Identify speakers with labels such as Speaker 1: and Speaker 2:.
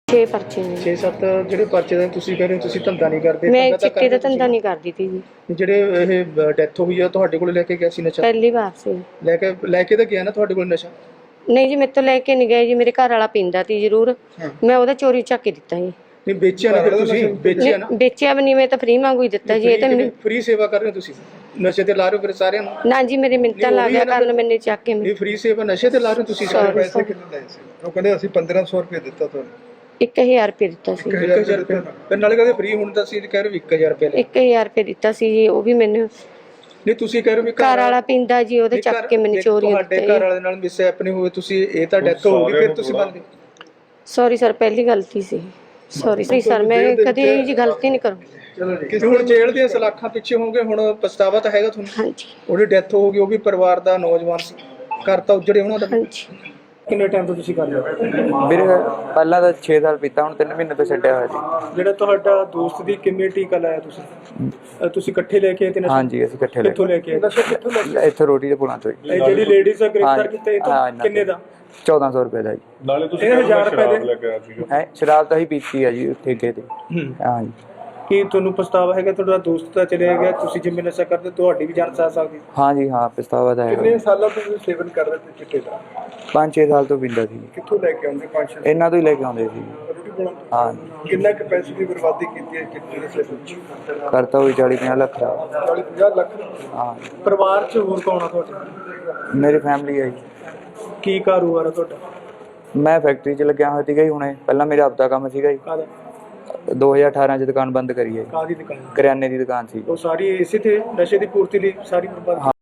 Speaker 1: 6 पर्चे ने।
Speaker 2: 6-7 ਜਿਹੜੇ ਪਰਚੇ ਦੇ ਤੁਸੀਂ ਕਹਿ ਰਹੇ ਹੋ ਤੁਸੀਂ ਧੰਦਾ ਨਹੀਂ ਕਰਦੇ?
Speaker 1: मैं चिट्टे का धंधा नहीं करती थी जी।
Speaker 2: ਜਿਹੜੇ ਇਹ ਡੈਥ ਹੋਈ ਆ ਤੁਹਾਡੇ ਕੋਲ ਲੈ ਕੇ ਗਿਆ ਸੀ ਨਸ਼ਾ?
Speaker 1: पहली बार से
Speaker 2: ਲੈ ਕੇ ਤਾਂ ਗਿਆ ਨਾ ਤੁਹਾਡੇ ਕੋਲ ਨਸ਼ਾ?
Speaker 1: नहीं जी, मेरे तो लेके नहीं गए जी। मेरे घर वाला पींदा ती जरूर, मैं ओदा चोरी चक के दिता जी।
Speaker 2: ਨਹੀਂ ਵੇਚਿਆ ਨਾ ਫਿਰ ਤੁਸੀਂ? ਵੇਚਿਆ ਨਾ?
Speaker 1: बेचिया भी नहीं, मैं तो फ्री मांगू ही दिता जी। ये तो
Speaker 2: ਫ੍ਰੀ ਸੇਵਾ ਕਰ ਰਹੇ ਹੋ ਤੁਸੀਂ, ਨਸ਼ੇ ਤੇ ਲਾ ਰਹੇ ਹੋ ਫਿਰ ਸਾਰਿਆਂ ਨੂੰ?
Speaker 1: ना जी, मेरे मिन्नतां ला गया कारण मैंने चक के
Speaker 2: ਇਹ ਫ੍ਰੀ ਸੇਵਾ ਨਸ਼ੇ ਤੇ ਲਾ ਰਹੇ ਹੋ ਤੁਸੀਂ ਸਾਰੇ?
Speaker 3: ਪੈਸੇ ਕਿੰਨੇ ਲਏ ਸੀ? ਉਹ ਕਹਿੰਦੇ ਅਸੀਂ 1500 ਰੁਪਏ ਦਿੱਤਾ ਤੁਹਾਨੂੰ।
Speaker 1: 1000 रुपये दिता सी।
Speaker 2: 1000 ਰੁਪਏ ਫਿਰ ਨਾਲੇ ਕਹਿੰਦੇ ਫ੍ਰੀ ਹੁਣ ਤਾਂ ਅਸੀਂ ਕਹਿ ਰਹੇ 1000 ਰੁਪਏ ਲੈ।
Speaker 1: 1000 रुपये दिता सी जी। वो भी मैंने
Speaker 2: ਨਹੀਂ ਤੁਸੀਂ ਕਹਿ ਰਹੇ ਵੀ
Speaker 1: घर वाला पींदा जी, ओदे चक के मैंने चोरी
Speaker 2: ਤੁਹਾਡੇ ਘਰ ਵਾਲੇ ਨਾਲ ਮਿਸ ਹੈਪਨਿੰਗ ਹੋਵੇ, ਤੁਸੀਂ ਇਹ ਤਾਂ ਡੈਥ ਹੋ ਗਈ ਫਿਰ ਤੁਸੀਂ ਬੰਦ?
Speaker 1: सॉरी सर, पहली गलती सी। सॉरी सर, मैं कभी जी गलती नहीं करूँ।
Speaker 2: ਚਲੋ ਜੀ। ਹੁਣ ਜੇਲ੍ਹ ਦੀਆਂ ਸਲਾਖਾਂ ਪਿੱਛੇ ਹੋਗੇ, ਹੁਣ ਪਛਤਾਵਾ ਤਾਂ ਹੈਗਾ ਤੁਹਾਨੂੰ?
Speaker 1: हाँ जी,
Speaker 2: ਉਹਦੀ ਡੈਥ ਹੋ ਗਈ, ਉਹ ਵੀ ਪਰਿਵਾਰ ਦਾ ਨੌਜਵਾਨ ਸੀ, ਘਰ ਤਾਂ ਉਜੜੇ ਉਹਨਾਂ ਦਾ।
Speaker 1: हाँ जी।
Speaker 2: ਕਿੰਨੇ ਟਾਈਮ ਤੋਂ ਤੁਸੀਂ ਕਰ ਰਹੇ ਹੋ?
Speaker 4: ਵੀਰੇ ਪਹਿਲਾਂ ਤਾਂ 6 ਸਾਲ ਪੀਤਾ, ਹੁਣ 3 ਮਹੀਨੇ ਤੋਂ ਛੱਡਿਆ ਹੋਇਆ ਸੀ।
Speaker 2: ਜਿਹੜਾ ਤੁਹਾਡਾ ਦੋਸਤ ਦੀ ਕਿਵੇਂ ਟੀਕਾ ਲਾਇਆ ਤੁਸੀਂ? ਤੁਸੀਂ ਇਕੱਠੇ ਲੈ ਕੇ ਆਏ ਤੇ ਨਸ਼ਾ?
Speaker 4: ਹਾਂਜੀ, ਅਸੀਂ ਇਕੱਠੇ ਲੈ
Speaker 2: ਕਿੱਥੋਂ ਲੈ ਕੇ ਆਏ? ਨਸ਼ਾ ਕਿੱਥੋਂ ਲੈ ਕੇ ਆਏ?
Speaker 4: ਇੱਥੇ ਰੋਟੀ ਦੇ ਪੁਲਾਂ ਤੋਂ ਹੀ।
Speaker 2: ਇਹ ਜਿਹੜੀ ਲੇਡੀਜ਼ ਦਾ ਗ੍ਰਿਫਤਾਰ ਕੀਤਾ ਇਹ
Speaker 4: ਹਾਂ,
Speaker 2: ਤੋਂ ਕਿੰਨੇ ਦਾ?
Speaker 4: 1400 ਰੁਪਏ ਦਾ ਜੀ।
Speaker 3: ਨਾਲੇ ਤੁਸੀਂ
Speaker 2: ਇਹ 1000 ਰੁਪਏ
Speaker 3: ਲੈ ਕੇ ਆਏ ਸੀ।
Speaker 4: ਹੈ ਸ਼ਰਾਬ ਤਾਂ ਹੀ ਪੀਤੀ ਆ ਜੀ ਠੇਕੇ ਤੇ। ਹਾਂ ਜੀ।
Speaker 2: ਕੀ ਤੁਹਾਨੂੰ ਪਛਤਾਵਾ ਹੈਗਾ? ਤੁਹਾਡਾ ਦੋਸਤ ਤਾਂ ਚਲਿਆ ਗਿਆ, ਤੁਸੀਂ ਜਿਵੇਂ ਨਸ਼ਾ ਕਰਦੇ ਤੁਹਾਡੀ ਵੀ ਜਾਨ ਜਾ ਸਕਦੀ?
Speaker 4: ਹਾਂ ਜੀ, ਹਾਂ ਪਛਤਾਵਾ ਤਾਂ
Speaker 3: ਕਿੰਨੇ
Speaker 4: ਹੈ।
Speaker 3: ਸਾਲਾਂ ਤੋਂ ਤੁਸੀਂ ਸੇਵਨ ਕਰ ਰਹੇ ਸੀ ਚਿੱਟੇ ਦਾ?
Speaker 4: 5-6 ਸਾਲ ਤੋਂ ਪੀਂਦਾ ਸੀ।
Speaker 3: ਕਿੱਥੋਂ ਲੈ ਕੇ ਆਉਂਦੇ? 5-6
Speaker 4: ਇਹਨਾਂ ਤੋਂ ਹੀ ਲੈ ਕੇ ਆਉਂਦੇ ਸੀ।
Speaker 3: ਰੋਟੀ ਬਣਾਉਂਦੇ?
Speaker 4: ਹਾਂ ਜੀ।
Speaker 3: ਕਿੰਨਾ ਕੁ ਪੈਸੇ ਦੀ ਬਰਬਾਦੀ ਕੀਤੀ ਹੈ ਚਿੱਟੇ ਦੇ ਵਿੱਚ?
Speaker 4: ਕਰਤਾ ਹੋਈ 40-50 ਲੱਖ ਦਾ।
Speaker 3: 40-50 ਲੱਖ।
Speaker 4: ਹਾਂ,
Speaker 2: ਪਰਿਵਾਰ 'ਚ ਹੋਰ ਕੌਣ ਆ ਤੁਹਾਡੇ?
Speaker 4: ਮੇਰੀ ਫੈਮਿਲੀ ਹੈ ਜੀ।
Speaker 2: ਕੀ ਕਾਰੋਬਾਰ ਆ ਤੁਹਾਡਾ?
Speaker 4: ਮੈਂ ਫੈਕਟਰੀ 'ਚ ਲੱਗਿਆ ਹੋਇਆ ਸੀਗਾ ਜੀ ਹੁਣੇ। ਪਹਿਲਾਂ ਮੇਰਾ ਆਪਦਾ ਕੰਮ ਸੀਗਾ ਜੀ।
Speaker 2: ਕਾਹਦਾ?
Speaker 4: 2018 'ਚ ਦੁਕਾਨ ਬੰਦ ਕਰੀ ਹੈ ਜੀ।
Speaker 2: ਕਾਹਦੀ ਦੁਕਾਨ?
Speaker 4: ਕਰਿਆਨੇ ਦੀ ਦੁਕਾਨ ਸੀ।
Speaker 2: ਉਹ ਸਾਰੀ ਇਸੇ ਤੇ ਨਸ਼ੇ ਦੀ ਪੂਰਤੀ ਲਈ ਸਾਰੀ ਬਰਬਾਦ?